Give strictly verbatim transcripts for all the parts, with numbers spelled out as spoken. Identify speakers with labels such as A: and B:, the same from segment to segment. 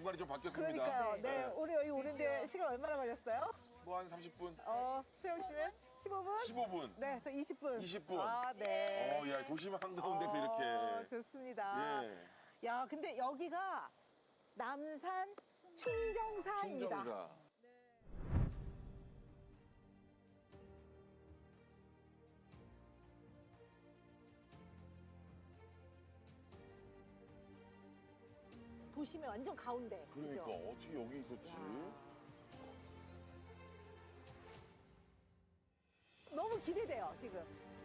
A: 공간이 좀 바뀌었습니다.
B: 그러니까요. 네,
A: 네.
B: 우리 여기 오는데 시간 얼마나 걸렸어요?
A: 뭐 한 삼십 분?
B: 어, 수영 씨는 십오 분?
A: 십오 분.
B: 네, 저 이십 분.
A: 이십 분.
B: 아, 네.
A: 어, 야, 도심 한가운데서
B: 어,
A: 이렇게.
B: 좋습니다.
A: 예.
B: 야, 근데 여기가 남산 충정사입니다.
A: 충정사.
B: 도심의 완전 가운데.
A: 그러니까
B: 그죠?
A: 어떻게 여기 있었지?
B: 야. 너무 기대돼요, 지금.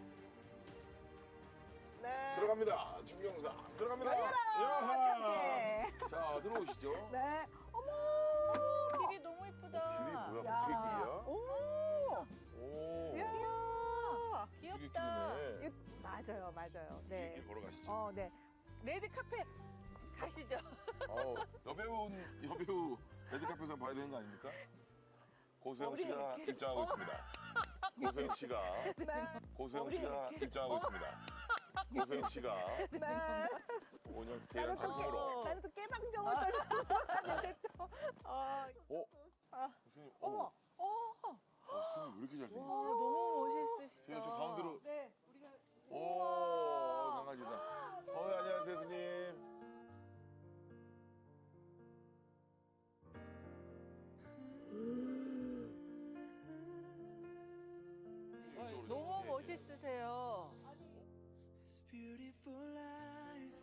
B: 네.
A: 들어갑니다. 충정사. 들어갑니다.
B: 열려라!
A: 야하!
B: 참깨.
A: 자, 들어오시죠.
B: 네. 어머!
C: 길이 너무 이쁘다.
A: 길이 뭐야?
B: 야.
A: 그게
B: 오!
A: 길이야? 오.
B: 야.
A: 이게
C: 귀엽다.
A: 길이네.
B: 이- 맞아요, 맞아요.
A: 길
B: 네.
A: 보러 가시죠.
B: 어, 네. 레드 카펫.
C: 가시죠.
A: 어, 여배우, 여배우 레드카펫에서 봐야 되는 거 아닙니까? 고소영 씨가
B: 우리-
A: 입장하고 있습니다. 고소영 씨가,
B: 네.
A: 고소영
B: 우리
A: 씨가
B: 이렇게-
A: 입장하고 있습니다. 고소영 씨가
B: 네.
A: 오년
B: 나는
A: 대한
B: 또,
A: 작품으로.
B: 깨, 나는 또 깨방정을 떨렸는데 또. 어,
A: 어?
B: 아,
A: 교수님,
B: 어머.
A: 어,
C: 어,
A: 교수님 왜 이렇게
C: 와,
A: 잘생겼어요?
C: 너무 멋있으시다.
A: 제가 저 가운데로.
B: 네. 우리가
A: 오, 강아지다. 어, 안녕하세요, 교수님.
C: 너무 멋있으세요.
D: It's beautiful life.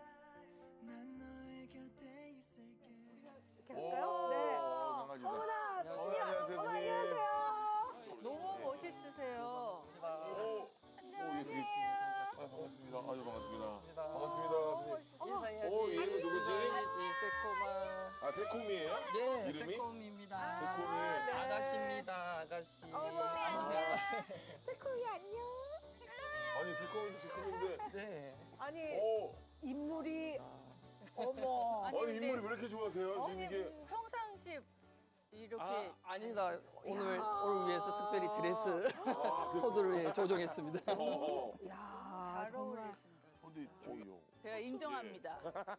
D: 난 너의 곁에 있을게.
B: 이렇게 할까요? 네.
A: 오, 강아지다.
B: 어머나,
A: 어,
B: 수녀.
A: 안녕하세요,
B: 어머,
A: 선생님.
B: 안녕하세요.
C: 너무 멋있으세요.
A: 오, 안녕하세요. 아, 반갑습니다. 아유, 반갑습니다. 반갑습니다.
E: 인사해야지.
A: 오, 얘는 누구지?
E: 인사해야지. 새꼬마.
A: 아, 새콤이에요?
E: 네,
A: 이름이?
E: 새꼬미입니다.
A: 새콤이.
E: 아가씨입니다, 아가씨. 안녕하세요.
B: 새콤이 안녕.
A: 아니, 새콤이도 새콤인데.
E: 네.
B: 아니,
A: 오,
B: 인물이, 어머.
A: 아니,
C: 근데-
A: 인물이 왜 이렇게 좋아하세요? 지금 이게.
C: 선생님 평상시 이렇게
E: 아, 아닙니다. 오늘,
B: 야.
E: 오늘 위해서 특별히 드레스
A: 아, 그,
E: 코드를 예, 조정했습니다.
A: 어, 어.
B: 야,
C: 잘
B: 정말.
C: 어울리신다.
A: 근데 저기요.
C: 제가 인정합니다.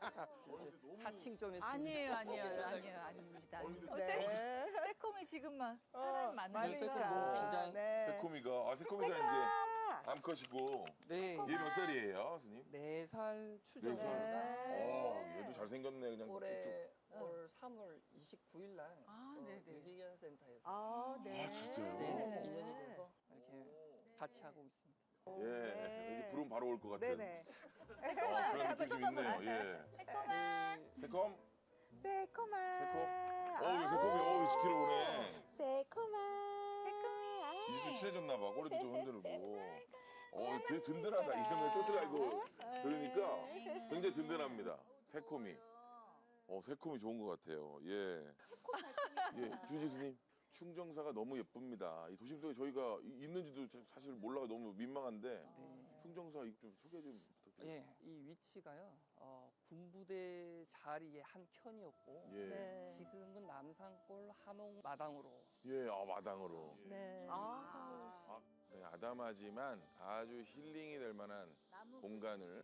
E: 사칭 좀 했습니다.
C: 아니에요, 아니에요, 아니에요, 아닙니다. 어, 새,
B: 네.
C: 새콤이 지금만 사람 많으니까.
E: 많이 새콤 뭐 긴장-
B: 네.
A: 새콤이가. 아, 새콤이가 이제
B: 아,
A: 암컷이고.
E: 네.
A: 얘 몇 살이에요, 선생님?
E: 네 살 추정.
A: 네 살.
B: 네.
A: 어, 얘도 잘생겼네, 그냥 쭉쭉.
E: 올해 올 삼월 이십구일 날
C: 아,
E: 어,
C: 네네.
E: 유기견 센터에서
B: 아, 네.
A: 아, 진짜요?
E: 네, 인연이 돼서 이렇게 같이 하고 있습니다.
A: 예, 왠지 부르면 바로 올 것 같은.
B: 네네.
A: 어, 그런 느낌 좀 있네요. 예.
E: 저희
A: 새콤?
B: 새콤아.
A: 새콤? 어, 이 새콤이, 어, 지키러 오네.
B: 새콤아. 새콤이.
A: 이제 좀 친해졌나 봐. 꼬리도 좀 흔들고. 어, 되게 든든하다. 이름의 뜻을 알고. 그러니까 굉장히 든든합니다. 새콤이. 어, 새콤이 좋은 것 같아요. 예. 예, 주지수님. 충정사가 너무 예쁩니다. 이 도심 속에 저희가 이- 있는지도 사실 몰라가 너무 민망한데 충정사 이거 좀 소개 좀 부탁드립니다.
E: 예, 이 위치가요. 어, 군부대 자리의 한 켠이었고
A: 예,
B: 네.
E: 지금은 남산골 한옥 마당으로
A: 예, 아, 마당으로.
B: 네.
C: 아,
A: 아, 네, 아담하지만 아주 힐링이 될 만한
C: 나무
A: 공간을.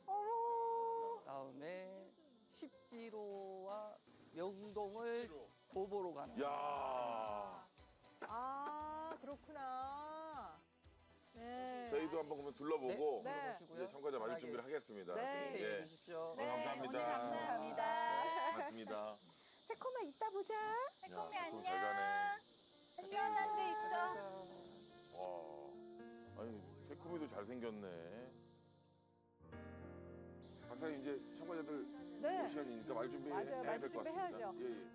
B: 어머.
E: 그다음에 십지로와 명동을 도보로 가는
A: 야,
B: 아, 그렇구나. 네.
A: 저희도 한번 그러면 둘러보고
B: 네. 네.
A: 이제 참가자 맞을 준비를 하겠습니다.
B: 네.
A: 선생님.
E: 해
A: 예.
E: 주십시오.
A: 어, 감사합니다.
B: 감사합니다.
A: 고맙습니다.
B: 새콤아, 이따 보자.
C: 새콤이
A: 야,
C: 안녕.
A: 잘 가네.
C: 안녕한 데 있어.
A: 와, 아니 새콤이도 잘생겼네. 박사님 이제 참가자들
B: 네.
A: 올 시간이니까 말 준비해야
B: 맞아요.
A: 될
B: 말
A: 것 같습니다.
B: 준비해야죠.
A: 예, 예.